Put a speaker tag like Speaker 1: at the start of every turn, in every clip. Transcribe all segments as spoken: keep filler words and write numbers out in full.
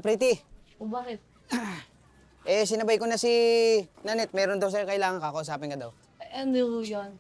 Speaker 1: Pretty.
Speaker 2: O bakit?
Speaker 1: Eh, sinabay ko na si Nanette. Meron daw sa'yo kailangan kakausapin ka daw.
Speaker 2: Eh, ano yun?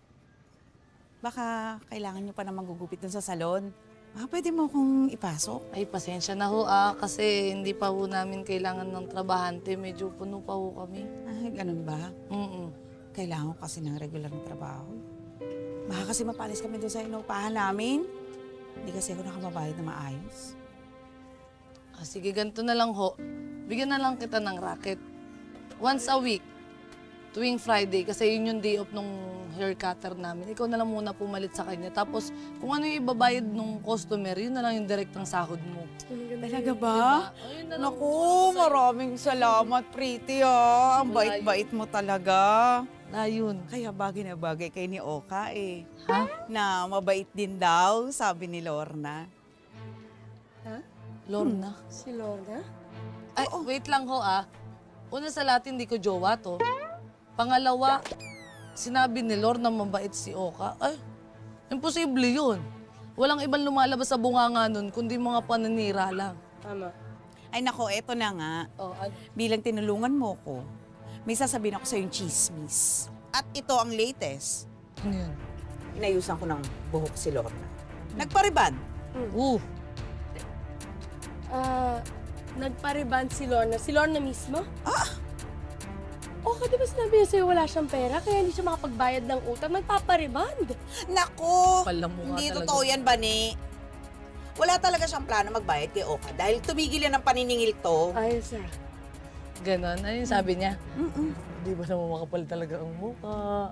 Speaker 3: Baka kailangan nyo pa na magugupit dun sa salon. Baka pwede mo akong ipasok.
Speaker 2: Ay, pasensya na ho ah, kasi hindi pa ho namin kailangan ng trabahante. Medyo puno pa ho kami.
Speaker 3: Ay, ganun ba?
Speaker 2: Mm-mm.
Speaker 3: Kailangan ko kasi ng regular na trabaho. Baka kasi mapalis kami doon sa inuupahan namin. Hindi kasi ako nakamabayad na maayos.
Speaker 2: Ah, sige, ganito na lang ho. Bigyan na lang kita ng racket. Once a week, tuwing Friday, kasi yun yung day off nung hair cutter namin. Ikaw na lang muna pumalit sa kanya. Tapos, kung ano yung ibabayad nung customer, yun na lang yung direktang sahod mo.
Speaker 3: Talaga ba?
Speaker 2: Diba? Ayun na lang
Speaker 3: Naku,
Speaker 2: muna sa'yo.
Speaker 3: maraming salamat, Pretty, ah. Ang
Speaker 2: Wala
Speaker 3: bait-bait mo talaga.
Speaker 2: Na yun.
Speaker 3: Kaya bagay na bagay kay ni Oka, eh.
Speaker 2: Ha?
Speaker 3: Na mabait din daw, sabi ni Lorna.
Speaker 2: Lorna?
Speaker 4: Si Lorna?
Speaker 2: Ay, wait lang ho ah. Una sa lahat, hindi ko jowa to. Pangalawa, sinabi ni Lorna mabait si Oka. Ay, imposible yun. Walang ibang lumalabas sa bunganga nun, kundi mga pananira lang.
Speaker 4: Tama.
Speaker 3: Ay nako, eto na nga.
Speaker 2: Oh, ad-
Speaker 3: Bilang tinulungan mo ko, may sasabihin ako sa yung chismis. At ito ang latest.
Speaker 2: ano yun?
Speaker 3: Inayusan ko ng buhok si Lorna. Nagpariban.
Speaker 2: Uh,
Speaker 4: Ah, nagpa-reband si Lorna. Si Lorna mismo?
Speaker 3: Ah!
Speaker 4: O, di ba sinabi niya sa'yo wala siyang pera, kaya hindi siya makapagbayad ng utang, nagpapa-reband.
Speaker 3: Naku!
Speaker 2: Pala mo nga
Speaker 3: Hindi
Speaker 2: talaga.
Speaker 3: totoo yan, Bani. Wala talaga siyang plano magbayad kay Oka dahil tumigil yan ng paniningil to.
Speaker 4: Ayos ah.
Speaker 2: ganon. Ano yung sabi niya?
Speaker 3: Mm-mm.
Speaker 2: Hindi ba naman makapal talaga ang mukha?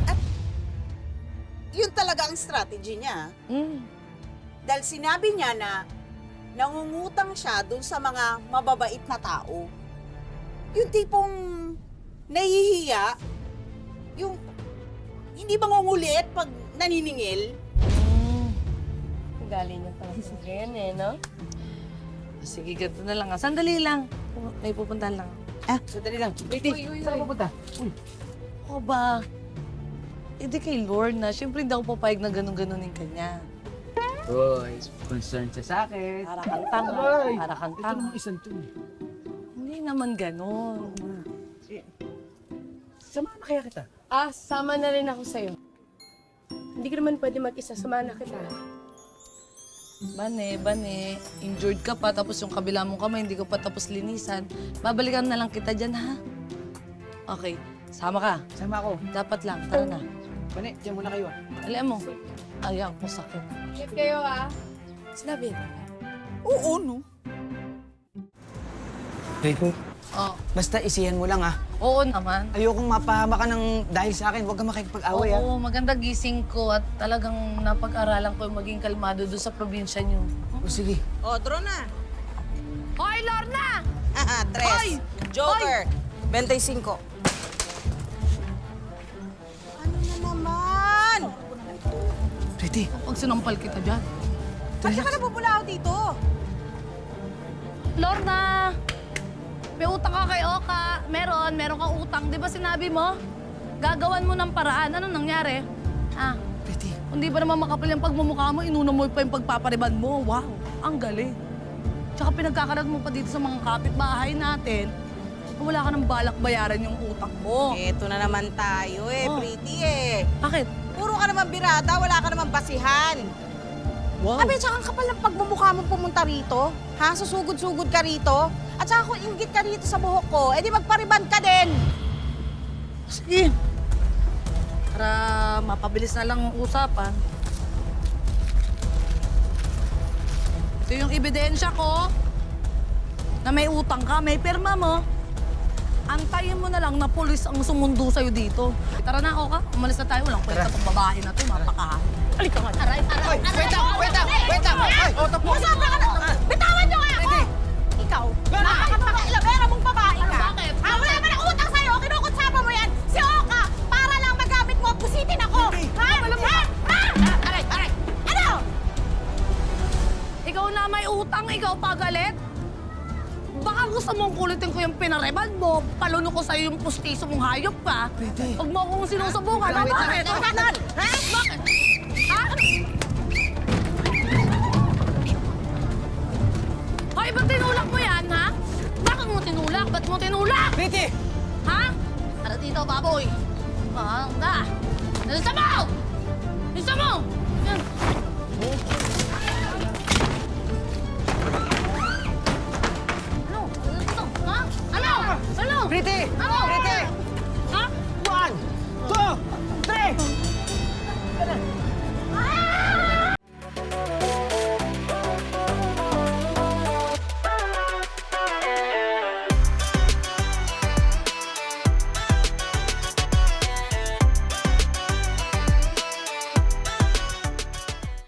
Speaker 3: Yun talaga ang strategy niya.
Speaker 2: Mm.
Speaker 3: Dahil sinabi niya na nangungutang siya dun sa mga mababait na tao. Yung tipong nahihiya, yung hindi mangungulit pag naniningil.
Speaker 2: Mm.
Speaker 4: Galing niya talaga sa ganyan eh, no?
Speaker 2: Sige, ganito na lang ah. Sandali lang. May pupuntahan lang.
Speaker 3: Ah,
Speaker 1: Sandali lang. Pretty, saan ka pupunta? Uy.
Speaker 2: Ako ba? Hindi kay Lorna. Siyempre hindi ako papayag na ganun-ganunin kanya.
Speaker 1: Uy, concerned siya sa akin.
Speaker 2: Para kang tanga.
Speaker 1: Ay,
Speaker 2: Para kang
Speaker 1: ito
Speaker 2: tanga.
Speaker 1: namang isang to.
Speaker 2: Hindi naman ganon.
Speaker 1: Samahan na kaya kita.
Speaker 4: Ah, sama na rin ako sa'yo. Hindi ka naman pwede mag-isa, samahan na kita.
Speaker 2: Bane, bane, injured ka pa, tapos yung kabila mong kamay, hindi ko pa tapos linisan. Babalikan na lang kita dyan, ha? Okay, sama ka.
Speaker 1: Sama ako.
Speaker 2: Dapat lang, tara na.
Speaker 1: Bane, diyan muna kayo ah.
Speaker 2: Alam mo, ayaw ko sakit.
Speaker 4: Ingat kayo ah.
Speaker 2: Sinabi na.
Speaker 3: oo, no?
Speaker 1: Pretty,
Speaker 2: Oh,
Speaker 1: basta isihan mo lang ah.
Speaker 2: oo naman.
Speaker 1: Ayokong mapahama ka ng dahil sa akin. Huwag kang makikipag-away ah.
Speaker 2: Oo, maganda gising ko at talagang napag-aralan ko yung maging kalmado doon sa probinsya niyo.
Speaker 1: O sige.
Speaker 3: O, draw na.
Speaker 2: Hoy, Lorna!
Speaker 3: Haha, tres.
Speaker 2: Hoy!
Speaker 3: Joker. twenty-five. Ano na naman?
Speaker 1: Pretty,
Speaker 2: Pag sinampal kita dyan.
Speaker 3: Bakit ka napupula ako dito?
Speaker 2: Lorna! May utang ka kay Oka. Meron, meron kang utang. Di ba sinabi mo? Gagawan mo ng paraan. Anong nangyari? Ah,
Speaker 1: Pretty.
Speaker 2: hindi ba naman makapal yung pagmumukha mo? Inuna mo pa yung pagpapariban mo. Wow, ang galing. Tsaka pinagkakalat mo pa dito sa mga kapitbahay natin. Wala ka nang balak bayaran yung utang mo.
Speaker 3: Eto na naman tayo eh,
Speaker 2: Oh.
Speaker 3: Pretty eh.
Speaker 2: Bakit?
Speaker 3: Puro ka naman birada, wala ka naman basihan.
Speaker 2: Wow.
Speaker 3: Abi, tsaka ang kapal ng pagmumukha mo pumunta rito. Ha? Susugod-sugod ka rito. At saka kung inggit ka rito sa buhok ko, edi magpariban ka din.
Speaker 2: Sige. Para mapabilis na lang ang usapan. Ito yung ebidensya ko na may utang ka, may pirma mo. Antayin mo na lang na pulis ang sumundo sa'yo dito. Tara na, Oka. Umalis na tayo. Walang kwenta itong babae na ito. Mapakahan. Halika nga. Aray, aray,
Speaker 1: Oy, wait lang, wait lang, wait lang. Ay, oh, tapo.
Speaker 3: Masama ka na! Bitawan niyo nga ako! Ikaw, napakapakilabera mong babae ka.
Speaker 2: Ano, bakit?
Speaker 3: Ah, wala naman ang utang sa'yo. Kinukutsaba mo yan. Si Oka, para lang magamit mo, pusitin ako. Ha? Ha? Ha? Aray, aray. Ano?
Speaker 2: Ikaw na may utang, ikaw pagalit. Baka gusto mong kulitin ko yung pinareban mo, paluno ko sa'yo yung pustiso mong hayop ka.
Speaker 1: Pwede.
Speaker 2: Huwag mo akong sinusubukan. Ha? Bakit?
Speaker 3: Ikaw ganon. Ha?
Speaker 2: Bakit? Ha? Hoy, ba't tinulak mo yan, ba't mo tinulak?
Speaker 1: Pretty!
Speaker 2: Ha? Tara dito, baboy! Mahanga! Nalisa mo! Nalisa mo!